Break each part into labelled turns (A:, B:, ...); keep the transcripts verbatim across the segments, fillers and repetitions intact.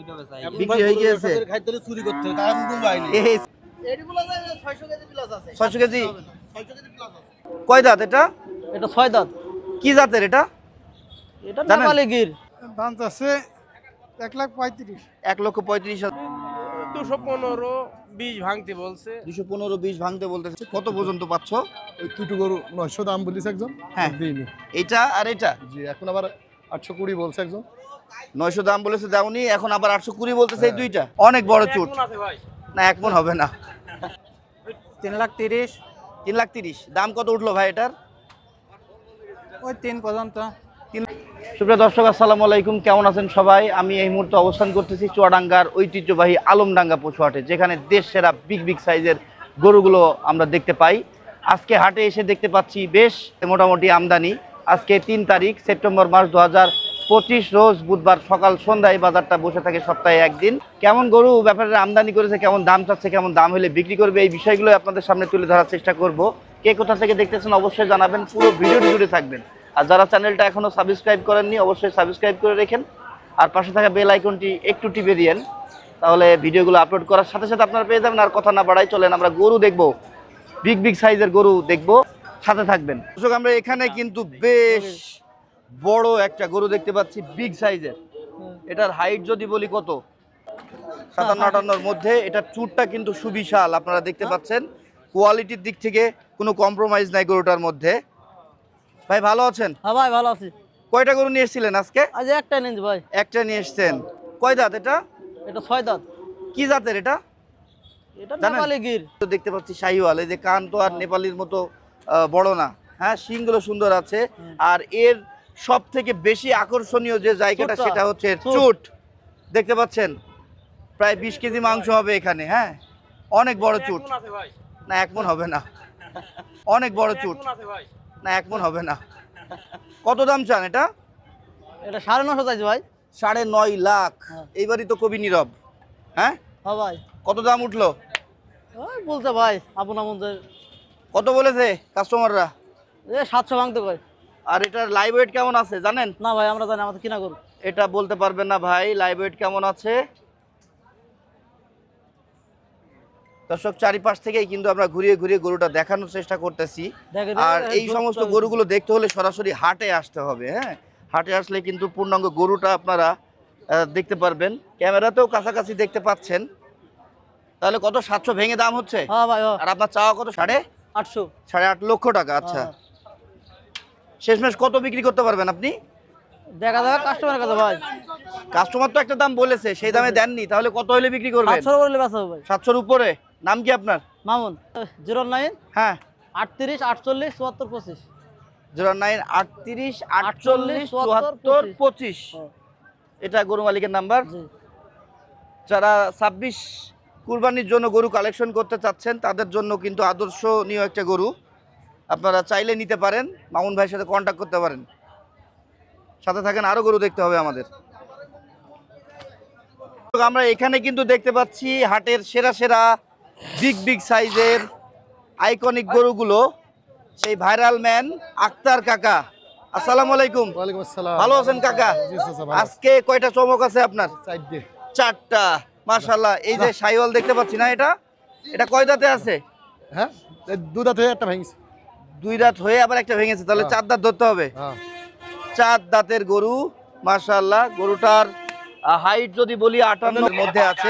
A: বিক্রি হয়ে গিয়েছে। ছয়শো কেজি কয় দাঁত এটা?
B: এটা ছয় দাঁত।
A: কি জাতের এটা?
B: এটা নেপালি গির।
C: দাম চাচ্ছে এক লাখ পঁয়ত্রিশ।
A: এক লক্ষ পঁয়ত্রিশ হাজার।
D: দুশো পনেরো বিশ ভাঙতে বলছে।
A: দুশো পনেরো বিশ ভাঙতে বলতেছে। কত পর্যন্ত পাচ্ছ?
C: দুটো গরু নয়শো দাম বলিস একজন।
A: হ্যাঁ
C: দিইনি।
A: এটা আর এটা
C: জি এখন আবার আটশো কুড়ি বলছে একজন।
A: নয়শো দাম বলেছে দাউনি, এখন আবার আটশো কুড়ি বলতেছে। এই দুইটা অনেক বড় চুট না, এক মন হবে না।
B: তিন লাখ তিরিশ।
A: তিন লাখ তিরিশ দাম কত উঠলো ভাই এটার?
B: ওই তিন পর্যন্ত।
A: সুপ্রিয় দর্শক আসসালামু আলাইকুম, কেমন আছেন সবাই? আমি এই মুহূর্তে অবস্থান করতেছি চুয়াডাঙ্গার ঐতিহ্যবাহী আলমডাঙ্গা পশু হাটে, যেখানে দেশ সেরা বিগ বিগ সাইজের গরুগুলো আমরা দেখতে পাই। আজকে হাটে এসে দেখতে পাচ্ছি বেশ মোটামুটি আমদানি। আজকে তিন তারিখ সেপ্টেম্বর মাস দু হাজার পঁচিশ, রোজ বুধবার সকাল সন্ধ্যায় বাজারটা বসে থাকে সপ্তাহে একদিন। কেমন গরু ব্যাপারে আমদানি করেছে, কেমন দাম চাচ্ছে, কেমন দাম হলে বিক্রি করবে, এই বিষয়গুলো আপনাদের সামনে তুলে ধরার চেষ্টা করব। কে কোথা থেকে দেখতেছেন অবশ্যই জানাবেন, পুরো ভিডিওটি জুড়ে থাকবেন। আর যারা চ্যানেলটা এখনো সাবস্ক্রাইব করেননি অবশ্যই সাবস্ক্রাইব করে রেখেন, আর পাশে থাকা বেল আইকনটি একটু টিপে দিয়েন, তাহলে ভিডিওগুলো আপলোড করার সাথে সাথে আপনারা পেয়ে যাবেন। আর কথা না বাড়াই চলেন আমরা গরু দেখব, বিগ বিগ সাইজের গরু দেখব, সাথে থাকবেন। দর্শক আমরা এখানে কিন্তু বেশ বড় একটা গরু দেখতে পাচ্ছি, বিগ সাইজের। এটার হাইট যদি বলি কত, সাতান্ন আটান্নর মধ্যে। এটার চুটটা কিন্তু সুবিশাল, আপনারা দেখতে পাচ্ছেন। কোয়ালিটির দিক থেকে কোনো কম্প্রোমাইজ নাই গরুটার মধ্যে। ভাই ভালো আছেন?
B: হ্যাঁ ভাই ভালো আছি।
A: কয়টা গরু নিয়ে এসেছিলেন আজকে?
B: আজ একটা নিন ভাই।
A: একটা নিয়ে এসেছেন। কয় দাঁত এটা?
B: এটা ছয় দাঁত।
A: কি জাতের এটা?
B: এটা নেপালি গির।
A: দেখতে পাচ্ছি শাহিওয়াল, এই যে কান তো আর নেপালির মতো আহ, বড় না, হ্যাঁ শিংগুলো সুন্দর আছে। আর এর সব থেকে বেশি আকর্ষণীয় যে জায়গাটা সেটা হচ্ছে এর চুট। দেখতে পাচ্ছেন প্রায় বিশ কেজি মাংস হবে এখানে। হ্যাঁ অনেক বড় চুট না, এক মন হবে না। অনেক বড় চুট না, এক মন হবে না। কত দাম চান এটা?
B: এটা সাড়ে নশো চাইছে ভাই।
A: সাড়ে নয় লাখ। এইবারই তো কবি নীরব। হ্যাঁ
B: হ্যাঁ ভাই।
A: কত দাম উঠলো?
B: ওই বলতে ভাই আপন আমাদের
A: কত বলেছে কাস্টমাররা?
B: এ সাতশো ভাঙতে কয়।
A: আর এটার লাইভ ওয়েট কেমন আছে জানেন?
B: না ভাই আমরা জানি, আমাদের কিনা করুন।
A: এটা বলতে পারবেন না ভাই, লাইভ ওয়েট কেমন আছে। দর্শক চারিপাশ থেকেই কিন্তু আমরা ঘুরিয়ে ঘুরিয়ে গরুটা দেখানোর চেষ্টা করতেছি। আর এই সমস্ত গরুগুলো দেখতে হলে সরাসরি হাটে আসতে হবে। হ্যাঁ হাটে আসলে কিন্তু পূর্ণাঙ্গ গরুটা আপনারা দেখতে পারবেন। ক্যামেরাতেও কাছাকাছি দেখতে পাচ্ছেন। তাহলে কত, সাতশো ভেঙে দাম হচ্ছে?
B: হ্যাঁ ভাই।
A: আর আপনার চাওয়া কত? সাড়ে
B: আটশো।
A: সাড়ে আট লক্ষ টাকা। আচ্ছা শেষমেশ কত বিক্রি করতে পারবেন আপনি?
B: দেখা যাবে কাস্টমারের কাছে ভাই।
A: কাস্টমার তো একটা দাম বলেছে, সেই দামে দেননি, তাহলে কত হলে বিক্রি করবেন?
B: সাতশো বললে বেচা হবে ভাই।
A: সাতশোর উপরে। নাম কি আপনার?
B: মামুন। জিরো নাইন
A: হ্যাঁ
B: আটত্রিশ আটচল্লিশ চুয়াত্তর পঁচিশ।
A: জিরো নাইন আটত্রিশ আটচল্লিশ চুয়াত্তর পঁচিশ। এটা গরু মালিকের নাম্বার। যারা ছাব্বিশ কুরবানির জন্য গরু কালেকশন করতে চাচ্ছেন তাদের জন্য কিন্তু আদর্শনীয় একটা গরু, আপনারা চাইলে নিতে পারেন। মামুন ভাইয়ের সাথে কন্ট্যাক্ট করতে পারেন। সাথে থাকেন, আরো গরু দেখতে হবে আমাদের। আমরা এখানে কিন্তু দেখতে পাচ্ছি হাটের সেরা সেরা বিগ বিগ সাইজের আইকনিক গরুগুলো। সেই ভাইরাল ম্যান আক্তার কাকা, আসসালামু আলাইকুম।
C: ওয়ালাইকুম আসসালাম।
A: ভালো আছেন কাকা? আজকে কয়টা চমক আছে আপনার?
C: চারটে।
A: চারটা, মাশাআল্লাহ। এই যে শাহিওয়াল দেখতে পাচ্ছি না, এটা এটা কয় দাঁতে আছে?
C: হ্যাঁ দু দাঁত হয়ে একটা ভেঙেছে।
A: দুই দাঁত হয়ে আবার একটা ভেঙেছে, তাহলে চার দাঁত ধরতে হবে।
C: হ্যাঁ
A: চার দাঁতের গরু মাশাআল্লাহ। গরুটার হাইট যদি বলি আটান্নর মধ্যে আছে।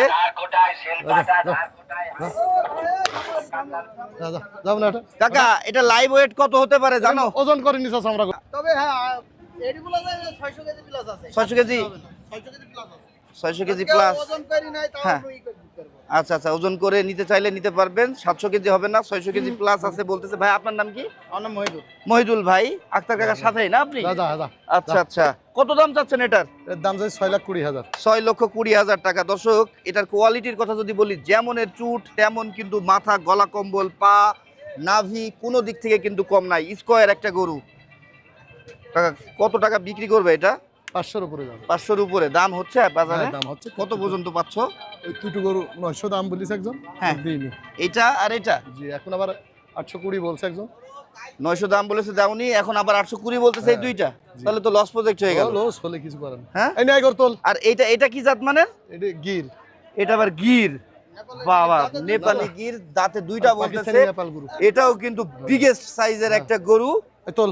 A: কাকা এটা লাইভ ওয়েট কত হতে পারে জানো?
C: ওজন করে নিছ আমরা।
B: তবে হ্যাঁ এগুলো ছয়শো কেজি প্লাস আছে।
A: ছয়শো কেজি
B: ছয়শো কেজি প্লাস আছে।
A: ছয়শো কেজি প্লাস।
B: ওজন করি নাই তাও
A: হ্যাঁ আচ্ছা আচ্ছা, ওজন করে নিতে চাইলে নিতে পারবেন। সাতশো কেজি হবে না, ছয়শো কেজি প্লাস আছে বলতেছে। ভাই আপনার নাম কি?
B: আমার নাম মহিদুল।
A: মহিদুল ভাই আক্তার কাকার সাথেই না আপনি? আচ্ছা আচ্ছা, কত দাম চাচ্ছেন এটার?
C: এর দাম চাই ছয় লাখ কুড়ি হাজার।
A: ছয় লক্ষ কুড়ি হাজার টাকা। দর্শক এটার কোয়ালিটির কথা যদি বলি, যেমনের চুট তেমন কিন্তু মাথা, গলা, কম্বল, পা, নাভি কোনো দিক থেকে কিন্তু কম নাই। স্কোয়ার একটা গরু। কাকা কত টাকা বিক্রি করবে এটা?
C: পাঁচশোর উপরে দাম।
A: পাঁচশোর উপরে দাম হচ্ছে বাজারে?
C: দাম হচ্ছে।
A: কত পর্যন্ত পাচ্ছ?
C: ওই দুটো গরু নয়শো দাম বলিস একজন।
A: হ্যাঁ
C: দিইনি।
A: এটা আর এটা?
C: জি এখন আবার আটশো কুড়ি বলছে একজন।
A: নয়শো দাম বলেছে দাউনি, এখন আবার আটশো কুড়ি বলতেছে এই দুইটা, তাহলে তো লস প্রজেক্ট হয়ে গেল।
C: লস হলে কিছু করেন
A: হ্যাঁ
C: এই নাই করতল।
A: আর এটা এটা কি জাত মানে?
C: এটা গির,
A: এটা আবার গির। বাবা, নেপালি গির, দাঁতে দুইটা বলতেছে।
C: পাকিস্তানি নেপাল গরু।
A: এটাও কিন্তু বিগেস্ট সাইজের একটা গরু,
C: এই তোল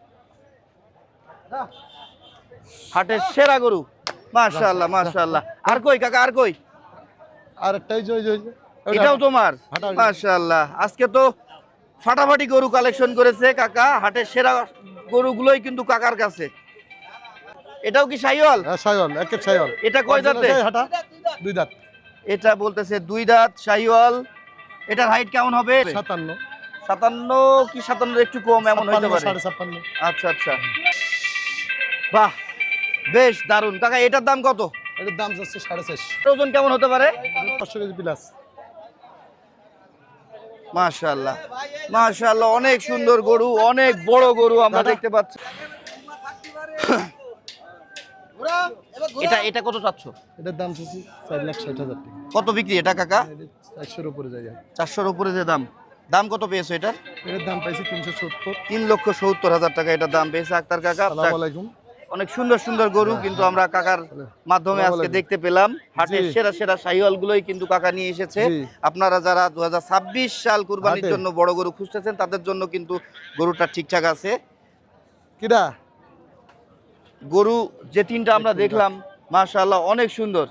A: হাটের সেরা গরু। মাশাআল্লাহ মাশাআল্লাহ। আর কই কাকা, আর কই?
C: আর একটাই জয় জয়
A: এটাও তোমার?
C: হাঁটা ওইটা।
A: মাশাআল্লাহ, আজকে তো ফাটাফাটি গরু কালেকশন করেছে কাকা। হাটের সেরা গরুগুলোই কিন্তু কাকার কাছে। এটাও কি শাহিওয়াল?
C: হ্যাঁ শাইওয়াল, একের শাইওয়াল।
A: এটা কয় দাঁতে?
C: হাঁটা দুই দাঁত।
A: এটা বলতেছে দুই দাঁত শাহিওয়াল। এটার হাইট কেমন হবে?
C: সাতান্ন
A: সাতান্ন কি সাতান্ন একটু কম এমন হতে পারে।
C: সাড়ে ছাপ্পান্ন।
A: আচ্ছা আচ্ছা, বাহ বেশ দারুন কাকা। এটার দাম কত?
C: এটার দাম যাচ্ছে সাড়ে চারশো।
A: ওজন কেমন হতে পারে?
C: পাঁচশো কেজি প্লাস।
A: মাশাআল্লাহ মাশাআল্লাহ, অনেক সুন্দর গরু, অনেক বড় গরু আমরা দেখতে পাচ্ছি।
B: ঘোরা, এবার ঘোরা।
A: এটা এটা কত চাচ্ছ?
C: এটার দাম চাচ্ছি চার লাখ ষাট হাজার টাকা।
A: কত বিক্রি এটা কাকা?
C: চারশোর উপরে যায়।
A: চারশোর উপরে যে দাম, দাম কত পেয়েছো এটার?
C: এটার দাম পাইছি তিনশো সত্তর।
A: তিন লক্ষ সত্তর হাজার টাকা এটার দাম পেয়েছে আক্তার কাকা।
C: আসসালামু আলাইকুম।
A: অনেক সুন্দর সুন্দর গরু কিন্তু আমরা কাকার মাধ্যমে আজকে দেখতে পেলাম। হাটের
C: জি।
A: সেরা সেরা শাহিওয়াল গুলোই কিন্তু কাকা নিয়ে এসেছে।
C: জি।
A: আপনারা যারা দু হাজার ছাব্বিশ সাল কুরবানির
C: হাটে।
A: জন্য বড় গরু খুঁজতেছেন তাদের জন্য কিন্তু গরুটা ঠিকঠাক আছে।
C: কিডা
A: গরু যে তিনটা আমরা দেখলাম মাশাআল্লাহ অনেক সুন্দর।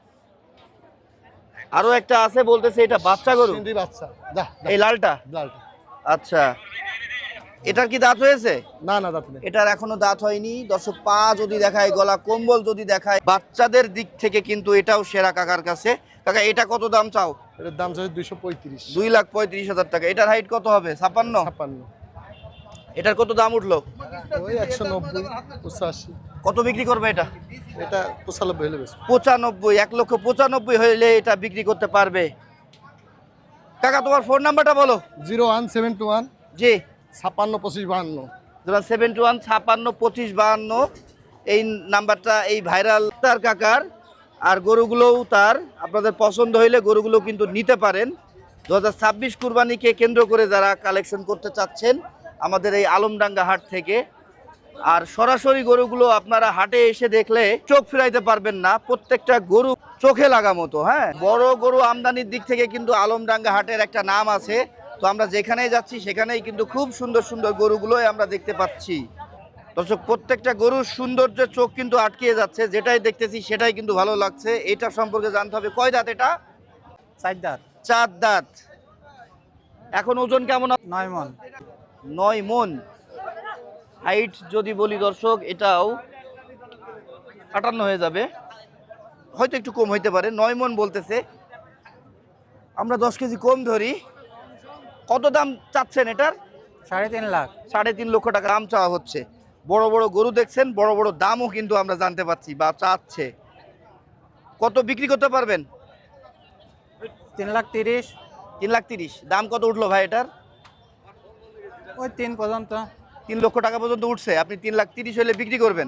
A: আরো একটা আছে বলতেছে এটা বাচ্চা গরু,
C: সিন্ধি বাচ্চা। যা
A: এই লালটা।
C: লালটা।
A: আচ্ছা, এটার কি দাঁত হয়েছে?
C: না না দাঁত নেই।
A: এটার এখনো দাঁত হয়নি। দর্শক পা যদি দেখায়, গলা কম্বল যদি দেখায়, বাচ্চাদের দিক থেকে কিন্তু এটাও সেরা কাকার কাছে। কাকা এটা কত দাম চাও?
C: এটার দাম চাচ্ছে দুইশো পঁয়ত্রিশ।
A: দুই লাখ পঁয়ত্রিশ হাজার টাকা। এটার হাইট কত হবে? ছাপ্পান্ন।
C: ছাপ্পান্ন।
A: এটার কত দাম উঠলো?
C: ওই একশো নব্বই পঁচাশি।
A: কত বিক্রি করবে এটা?
C: এটা পঁচানব্বই হলে বেশ।
A: পঁচানব্বই। এক লক্ষ পঁচানব্বই হইলে এটা বিক্রি করতে পারবে। কাকা তোমার ফোন নাম্বারটা বলো।
C: Zero one seven two one
A: জি,
C: ছাপ্পান্ন পঁচিশ বাহান্ন।
A: সেভেন টু ওয়ান ছাপান্ন পঁচিশ বাহান্ন। এই নাম্বারটা এই ভাইরাল তার কাকার। আর গরুগুলোও তার। আপনাদের পছন্দ হইলে গরুগুলো কিন্তু নিতে পারেন। দু হাজার ছাব্বিশ কুরবানিকে কেন্দ্র করে যারা কালেকশন করতে চাচ্ছেন আমাদের এই আলমডাঙ্গা হাট থেকে। আর সরাসরি গরুগুলো আপনারা হাটে এসে দেখলে চোখ ফিরাইতে পারবেন না, প্রত্যেকটা গরু চোখে লাগা মতো। হ্যাঁ, বড় গরু আমদানির দিক থেকে কিন্তু আলমডাঙ্গা হাটের একটা নাম আছে। তো আমরা যেখানেই যাচ্ছি সেখানেই কিন্তু খুব সুন্দর সুন্দর গরুগুলোই আমরা দেখতে পাচ্ছি। দর্শক প্রত্যেকটা গরুর সৌন্দর্য চোখ কিন্তু আটকিয়ে যাচ্ছে, যেটাই দেখতেছি সেটাই কিন্তু ভালো লাগছে। এটা সম্পর্কে জানতে হবে। কয় দাঁত এটা?
B: চার দাঁত।
A: চার দাঁত। এখন ওজন কেমন?
B: নয় মন।
A: নয় মন। হাইট যদি বলি দর্শক এটাও আটান্ন হয়ে যাবে, হয়তো একটু কম হইতে পারে। নয় মন বলতেছে, আমরা দশ কেজি কম ধরি। কত দাম চাচ্ছেন এটার?
B: সাড়ে তিন লাখ।
A: সাড়ে তিন লক্ষ টাকা দাম চাওয়া হচ্ছে। বড় বড় গরু দেখছেন, বড় বড় দামও কিন্তু আমরা জানতে পাচ্ছি বা চাচ্ছে। কত বিক্রি করতে পারবেন?
B: তিন লাখ তিরিশ।
A: তিন লাখ তিরিশ। দাম কত উঠলো ভাই এটার?
B: ওই তিন পর্যন্ত।
A: তিন লক্ষ টাকা পর্যন্ত উঠছে। আপনি তিন লাখ তিরিশ হলে বিক্রি করবেন।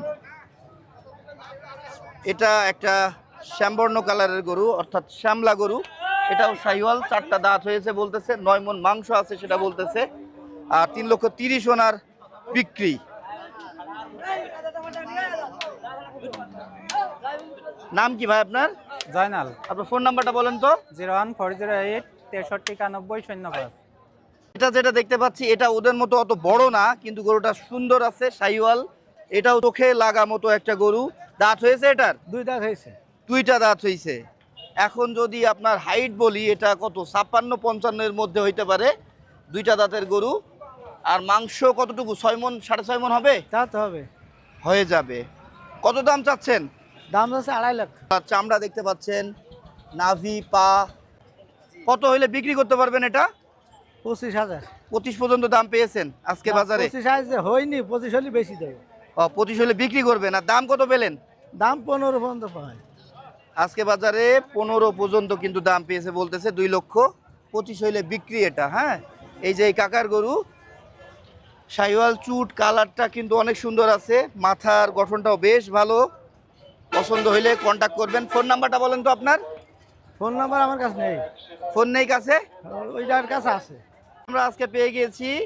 A: এটা একটা শ্যামবর্ণ কালারের গরু, অর্থাৎ শ্যামলা গরু। এটাও শাহিওয়াল। চারটা দাঁত হয়েছে বলতেছে, নয় মন মাংস আছে সেটা বলতেছে। আর তিন লক্ষ তিরিশ ওনার বিক্রি। নাম কি ভাই আপনার?
B: জয়নাল।
A: আপনার ফোন নাম্বারটা বলেন তো।
B: Zero one four zero eight তেষট্টি একানব্বই শূন্য পাঁচ।
A: এটা যেটা দেখতে পাচ্ছি এটা ওদের মতো অত বড় না, কিন্তু গরুটা সুন্দর আছে, শাহিওয়াল। এটাও চোখে লাগা মতো একটা গরু। দাঁত হয়েছে এটার?
B: দুই দাঁত হয়েছে।
A: দুইটা দাঁত হয়েছে। এখন যদি আপনার হাইট বলি এটা কত? ছাপ্পান্ন পঞ্চান্নের মধ্যে হইতে পারে। দুইটা দাঁতের গরু। আর মাংস কতটুকু? ছয় মন সাড়ে ছয় মন হবে?
B: দাঁত হবে।
A: হয়ে যাবে। কত দাম চাচ্ছেন?
B: দাম হচ্ছে আড়াই লাখ।
A: চামড়া দেখতে পাচ্ছেন, নাভি, পা। কত হইলে বিক্রি করতে পারবেন এটা?
B: পঁচিশ হাজার।
A: পঁচিশ পর্যন্ত দাম পেয়েছেন আজকে বাজারে?
B: পঁচিশ হাজার হয়নি, পঁচিশ হলে বেশি দেবে।
A: ও, পঁচিশ হলে বিক্রি করবেন। আর দাম কত পেলেন?
B: দাম পনেরো পর্যন্ত পায়।
A: আজকে বাজারে পনেরো পর্যন্ত কিন্তু দাম পেয়েছে বলতেছে। দুই লক্ষ পঁচিশ হইলে বিক্রি এটা। হ্যাঁ, এই যে এই কাকার গরু শাহিওয়াল, চুট কালারটা কিন্তু অনেক সুন্দর আছে, মাথার গঠনটাও বেশ ভালো। পছন্দ হইলে কন্টাক্ট করবেন। ফোন নাম্বারটা বলেন তো আপনার।
B: ফোন নাম্বার আমার কাছে নেই।
A: ফোন নেই কাছে?
B: ওইটার কাছে আছে।
A: আমরা আজকে পেয়ে গিয়েছি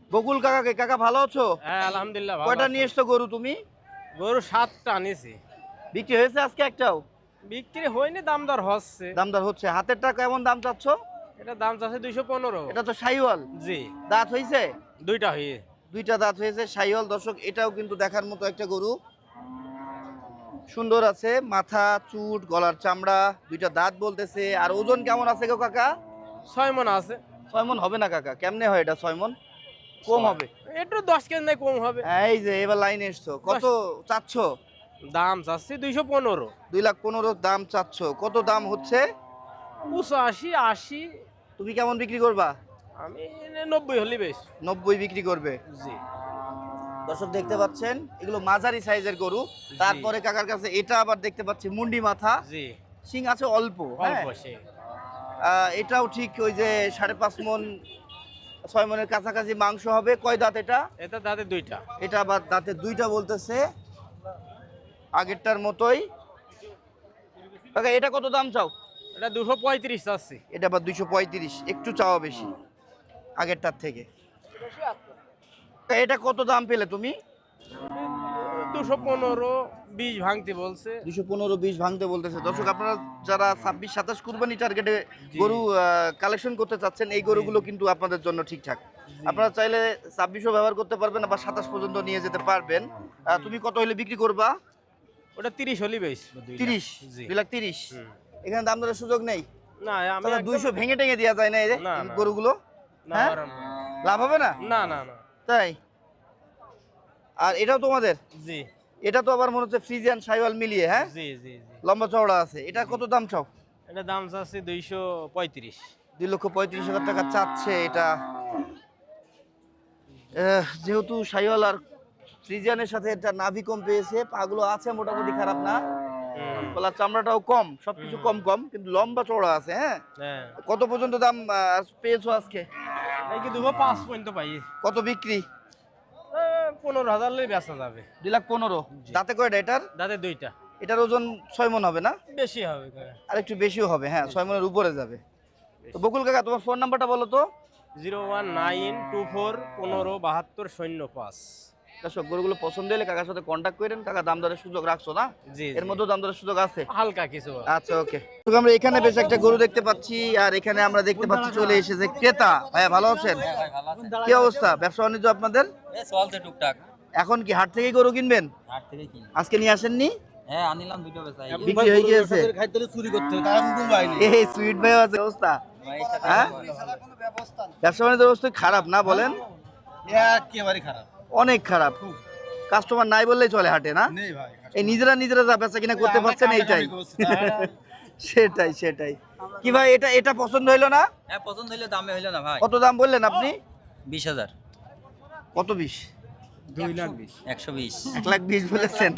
A: বকুল কাকাকে, কাকা ভালো আছো?
D: হ্যাঁ আলহামদুলিল্লাহ ভালো
A: কয়টা
D: আছি।
A: নিয়ে এসছো গরু তুমি?
D: গরু সাতটা আনিছি।
A: বিক্রি হয়েছে আজকে একটাও?
D: বিক্রি হয়নি, দাম দর হচ্ছে।
A: দামদার হচ্ছে। হাতের টাকা কেমন দাম চাচ্ছ?
D: এটা দাম চাচ্ছে দুইশো পনেরো।
A: এটা তো শাহিওয়াল।
D: জি,
A: দাঁত হয়েছে?
D: দুইটা হয়ে।
A: দুইটা দাঁত হয়েছে, শাহিওয়াল। দর্শক এটাও কিন্তু দেখার মতো একটা গরু, সুন্দর আছে, মাথা, চুট, গলার চামড়া, দুইটা দাঁত বলতেছে। আর ওজন কেমন আছে গো কাকা?
D: ছয় মন আছে।
A: ছয় মন হবে না কাকা, কেমনে হয় এটা ছয় মন? কম হবে।
D: একটু দশ কেজি নাই কম হবে।
A: এই যে এবার লাইনে এসছো, কত চাচ্ছ?
D: দাম চাচ্ছি দুইশো পনেরো।
A: দুই লাখ পনেরো দাম চাচ্ছ। কত দাম হচ্ছে?
D: পঁচাশি আশি।
A: তুমি কেমন বিক্রি করবা?
D: আমি নব্বই হলি বেশ।
A: নব্বই বিক্রি করবে।
D: জি
A: দর্শক দেখতে পাচ্ছেন এগুলো মাঝারি সাইজের গরু। তারপরে কাকার কাছে এটা আবার দেখতে পাচ্ছি মুন্ডি মাথা,
D: জি,
A: শিং আছে অল্প। হ্যাঁ,
D: অল্প সে।
A: আহ, এটাও ঠিক ওই যে সাড়ে পাঁচ মন ছয় মনের কাছাকাছি মাংস হবে। কয় দাঁত এটা?
D: এটা দাঁতে দুইটা।
A: এটা আবার দাঁতে দুইটা বলতেছে, আগেরটার মতোই। কাকা এটা কত দাম চাও?
D: এটা দুশো পঁয়ত্রিশ চাচ্ছি।
A: এটা আবার দুইশো পঁয়ত্রিশ, একটু চাওয়া বেশি আগেরটার থেকে। কাকা, এটা কত দাম পেলে তুমি?
D: দুশো পনেরো বিশ ভাঙতে বলছে।
A: দুশো পনেরো বিশ ভাঙতে বলতেছে। দর্শক আপনারা যারা ছাব্বিশ সাতাশ কুরবানি টার্গেটে
D: জি।
A: গরু কালেকশন করতে চাচ্ছেন, এই গরুগুলো কিন্তু আপনাদের জন্য ঠিকঠাক। আপনারা চাইলে ছাব্বিশও ব্যবহার করতে পারবেন, আবার সাতাশ পর্যন্ত নিয়ে যেতে পারবেন। আহ, তুমি কত হলে বিক্রি করবা?
D: ওটা তিরিশ হলি বেশ।
A: তিরিশ,
D: জি।
A: দুই লাখ তিরিশ।
D: হুম।
A: এখানে দাম দরের সুযোগ নেই?
D: না আমি
A: তাহলে
D: একদম-
A: দুইশো ভেঙে টেঙে দেওয়া যায় না এই যে
D: না, না।
A: গরুগুলো?
D: না,
A: হ্যাঁ?
D: ওরম না।
A: লাভ হবে না?
D: না না না।
A: তাই? আর এটাও তোমাদের?
D: জি
A: এটা তো আবার মনে হচ্ছে ফ্রিজিয়ান শাহিওয়াল মিলিয়ে, হ্যাঁ,
D: জি জি জি।
A: লম্বা চওড়া আছে। এটা কত দাম চাও?
D: এটা দাম চাচ্ছি দুইশো পঁয়ত্রিশ।
A: দুই লক্ষ পঁয়ত্রিশ হাজার টাকা চাচ্ছে এটা। আহ, যেহেতু শাহিওয়াল আর ফ্রিজিয়ানের সাথে এটা নাভি কম পেয়েছে, পাগুলো আছে মোটামুটি খারাপ না, গলার চামড়াটাও কম, সবকিছু কম কম, কিন্তু লম্বা চওড়া আছে। হ্যাঁ,
D: হ্যাঁ,
A: কত পর্যন্ত দাম আহ, পেয়েছো আজকে?
D: এই কি দুশো পাঁচ পর্যন্ত পাই।
A: কত বিক্রি?
D: এ, পনেরো হাজার হলে বেচা যাবে।
A: দুই লাখ পনেরো। দাঁতে কয়টা এটার?
D: দাঁতে দুইটা।
A: এটার ওজন ছয় মন হবে না?
D: বেশি হবে।
A: আর একটু বেশিও হবে, হ্যাঁ, ছয় মনের উপরে যাবে। তো বকুল কাকা তোমার ফোন নাম্বারটা বলো তো।
D: Zero one nine two four পনেরো বাহাত্তর শূন্য পাঁচ।
A: দর্শক গরুগুলো পছন্দ হলে কাকার সাথে কন্ট্যাক্ট করেন। কাকা দাম দরের সুযোগ রাখছো না?
D: জি
A: এর মধ্যে দাম দরের সুযোগ আছে?
D: হালকা কিছু।
A: আচ্ছা, ওকে। তো আমরা এখানে বেশ একটা গরু দেখতে পাচ্ছি, আর এখানে আমরা দেখতে পাচ্ছি চলে এসেছে ক্রেতা। ভাইয়া ভালো আছেন? কি অবস্থা ব্যবসা বাণিজ্য আপনাদের?
E: চলছে টুকটাক।
A: এখন কি হাট থেকেই গরু কিনবেন?
E: হাট থেকে কিনি।
A: আজকে নিয়ে আসেননি?
E: হ্যাঁ আনিলাম দুটো বেচাই।
A: বিক্রি হয়ে গিয়েছে?
B: খাইতে চুরি করতে হবে, তারা হুকুম পাইনি।
A: এই সুইট ভাই আছে অবস্থা? হ্যাঁ, ব্যবসা বাণিজ্যের অবস্থা খারাপ না বলেন?
B: একেবারে খারাপ,
A: অনেক খারাপ। কাস্টমার নাই বললেই চলে হাটে না?
B: নেই ভাই।
A: এই নিজেরা নিজেরা যা বেচা কিনা করতে পারছেন এইটাই। সেটাই সেটাই। কি ভাই এটা এটা পছন্দ হইলো না?
E: হ্যাঁ পছন্দ হইলে দামে হইলো না ভাই।
A: কত দাম বললেন আপনি?
E: বিশ হাজার।
A: কত বিশ?
E: দুই লাখ বিশ। একশো বিশ।
A: এক লাখ বিশ বলেছেন।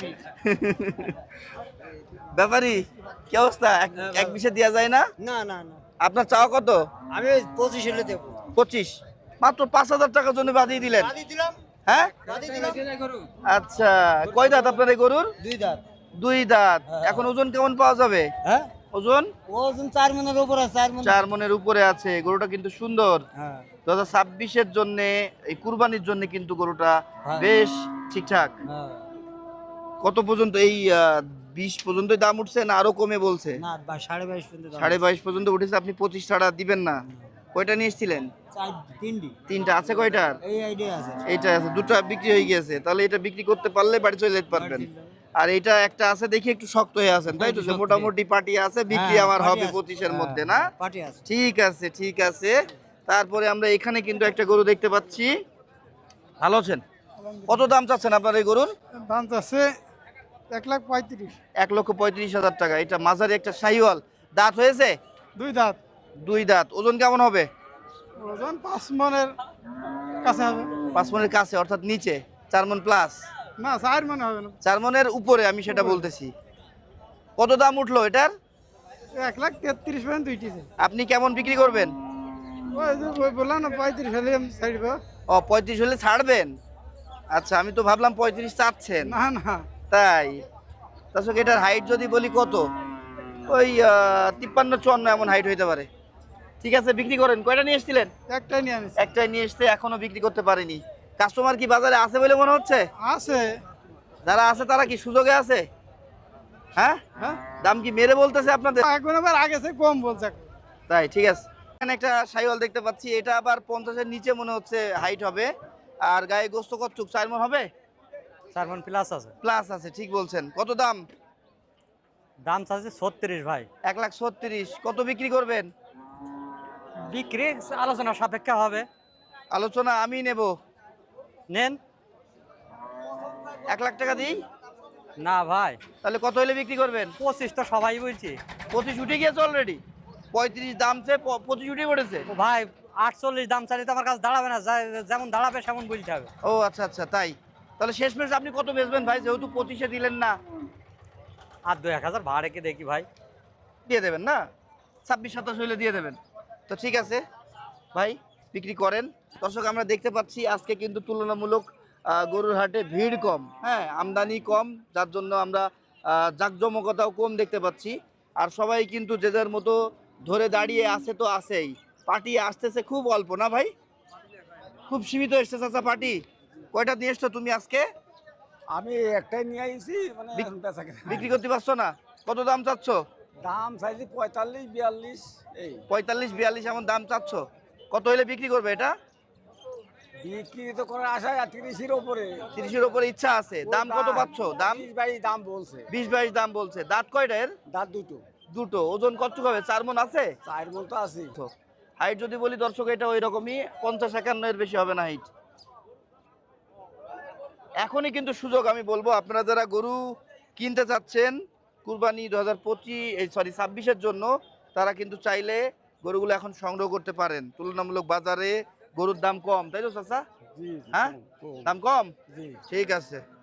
A: ব্যাপারী কি অবস্থা? এক- এক বিশে দেওয়া যায় না?
B: না না না,
A: আপনার চাওয়া কত?
B: আমি পঁচিশ হলে দেবো।
A: পঁচিশ? মাত্র পাঁচ হাজার টাকার জন্য বাদিয়ে দিলেন?
B: বাদি দিলাম,
A: হ্যাঁ,
B: বাদি দিলাম।
A: আচ্ছা। কয় দাঁত আপনার এই গরুর?
B: দুই দাঁত।
A: দুই দাঁত। এখন ওজন কেমন পাওয়া যাবে?
B: হ্যাঁ,
A: ওজন
B: ওজন চার মনের উপর আছে, চার মন।
A: চার মনের উপরে আছে। গরুটা কিন্তু সুন্দর।
B: হ্যাঁ,
A: দু হাজার ছাব্বিশের জন্য, এই কুরবানির জন্য কিন্তু গরুটা
B: হ্যাঁ।
A: বেশ ঠিকঠাক।
B: হ্যাঁ।
A: কত পর্যন্ত এই আহ, বিশ পর্যন্তই দাম উঠছে না আরো কমে বলছে?
B: না বা সাড়ে বাইশ পর্যন্ত দাম।
A: সাড়ে বাইশ পর্যন্ত উঠেছে। আপনি পঁচিশ ছাড়া দিবেন না? কয়টা নিয়ে এসেছিলেন?
B: চার তিনটি,
A: তিনটা আছে। কয়টার?
B: এই আইডিয়া আছে।
A: এইটা আছে, দুটো বিক্রি হয়ে গিয়েছে। তাহলে এটা বিক্রি করতে পারলে বাড়ি চলে যেতে পারবেন। আর এটা একটা আছে দেখি একটু শক্ত হয়ে আছেন, তাই তো? যে মোটামুটি পার্টি আছে, বিক্রি
B: হ্যাঁ,
A: আমার
B: পাটি
A: হবে
B: আছে।
A: পঁচিশের
B: হ্যাঁ,
A: মধ্যে না?
B: পাটি আছে।
A: ঠিক আছে ঠিক আছে। তারপরে আমরা এখানে কিন্তু একটা গরু দেখতে পাচ্ছি। ভালো আছেন? কত দাম চাচ্ছেন আপনার এই গরুর?
C: দাম আছে এক লাখ পঁয়ত্রিশ।
A: এক লক্ষ পঁয়ত্রিশ হাজার টাকা। এটা মাঝারি একটা শাহিওয়াল। দাঁত হয়েছে?
C: দুই দাঁত।
A: দুই দাঁত। ওজন কেমন হবে?
C: ওজন পাঁচ মনের কাছে হবে।
A: পাঁচ মনের কাছে, অর্থাৎ নিচে চার মন প্লাস?
C: না, চার মনে হবে না,
A: চার মনের উপরে, আমি সেটা বলতেছি। কত দাম উঠলো এটার?
C: এক লাখ তেত্রিশ পর্যন্ত দুইটিছে।
A: আপনি কেমন বিক্রি করবেন?
C: ওই যে ওই বললাম না পঁয়ত্রিশ হলে আমি ছাড়ব।
A: ও, পঁয়ত্রিশ হলে ছাড়বেন? আচ্ছা, আমি তো ভাবলাম পঁয়ত্রিশ চাচ্ছেন।
C: না না,
A: তাই? দর্শক এটার হাইট যদি বলি কত, ওই আহ, তিপ্পান্ন চুয়ান্ন এমন হাইট হইতে পারে। ঠিক আছে, বিক্রি করেন। কয়টা নিয়ে এসেছিলেন?
C: একটাই নিয়ে আনিস
A: একটাই নিয়ে এসছে, এখনো বিক্রি করতে পারেনি। কাস্টমার কি বাজারে আছে বলে মনে হচ্ছে?
C: আছে।
A: যারা আছে তারা কি সুযোগে আছে? হ্যাঁ,
C: হ্যাঁ
A: দাম কি মেরে বলতেছে আপনাদের?
C: এখন আবার আগে সে কম বলছে এখন।
A: তাই, ঠিক আছে। এখানে একটা শাইওয়াল দেখতে পাচ্ছি, এটা আবার পঞ্চাশের নিচে মনে হচ্ছে হাইট হবে। আর গায়ে গোস্ত কতটুক, চার মণ হবে?
F: চার মন প্লাস আছে।
A: প্লাস আছে, ঠিক বলছেন। কত দাম?
F: দাম চাচ্ছে ছত্রিশ ভাই।
A: এক লাখ ছত্রিশ। কত বিক্রি করবেন?
F: বিক্রি আলোচনা সাপেক্ষে হবে।
A: আলোচনা আমি নেব।
F: নেন।
A: এক লাখ টাকা দিই?
F: না ভাই,
A: তাহলে কত হলে বিক্রি করবেন?
F: পঁচিশ তো সবাই বলছি।
A: পঁচিশ উঠে গিয়েছে অলরেডি। পঁয়ত্রিশ দাম সে পঁচিশ উঠে পড়েছে।
F: ও ভাই, আটচল্লিশ দাম চাইলে তো আমার কাছে দাঁড়াবে না, যা- যেমন দাঁড়াবে সেমন বলতে হবে।
A: ও আচ্ছা আচ্ছা, তাই। তাহলে শেষ মেশ আপনি কত বেচবেন ভাই, যেহেতু পঁচিশে দিলেন না?
F: আর দু এক হাজার ভাড়া রেখে দেখি ভাই।
A: দিয়ে দেবেন না? ছাব্বিশ সাতাশ হইলে দিয়ে দেবেন তো, ঠিক আছে ভাই, বিক্রি করেন। দর্শক, আমরা দেখতে পাচ্ছি আজকে কিন্তু তুলনামূলক আহ, গরুর হাটে ভিড় কম, হ্যাঁ, আমদানি কম, যার জন্য আমরা আহ, জাঁকজমকতাও কম দেখতে পাচ্ছি। আর সবাই কিন্তু যে যার মতো ধরে দাঁড়িয়ে আছে তো আছেই। পার্টি আসতেছে খুব অল্প, না ভাই? খুব সীমিত এসছে চাচা পার্টি। কয়টা নিয়ে এসছো তুমি আজকে?
G: আমি একটাই নিয়ে আইছি, মানে
A: বিক-
G: এখন বেচা কেনা।
A: বিক্রি করতে পারছো না? কত দাম চাচ্ছ?
G: দাম চাইছি পঁয়তাল্লিশ বিয়াল্লিশ এই
A: পঁয়তাল্লিশ বিয়াল্লিশ এমন দাম চাচ্ছ? কত হলে বিক্রি করবে এটা?
G: বিক্রি তো করার আশায় আর তিরিশের ওপরে।
A: তিরিশের উপরে ইচ্ছা আছে। দাম কত পাচ্ছ? দাম
G: বিশ বাইশ দাম বলছে।
A: বিশ বাইশ দাম বলছে। দাঁত কয়টা এর?
G: দাঁত দুটো।
A: দুটো। ওজন কতটুকু হবে? চার মণ আছে?
G: চার মন তো আছে।
A: হাইট যদি বলি দর্শক, এটা ওই রকমই, পঞ্চাশ একান্ন এর বেশি হবে না হাইট। এখনই কিন্তু সুযোগ, আমি বলবো আপনারা যারা গরু কিনতে চাচ্ছেন কুরবানি দু হাজার পঁচিশ এই সরি ছাব্বিশের জন্য, তারা কিন্তু চাইলে গরুগুলো এখন সংগ্রহ করতে পারেন। তুলনামূলক বাজারে গরুর দাম কম, তাই তো চাচা?
G: জি জি,
A: হ্যাঁ,
G: কম, কম।
A: দাম কম।
G: জি।
A: ঠিক আছে।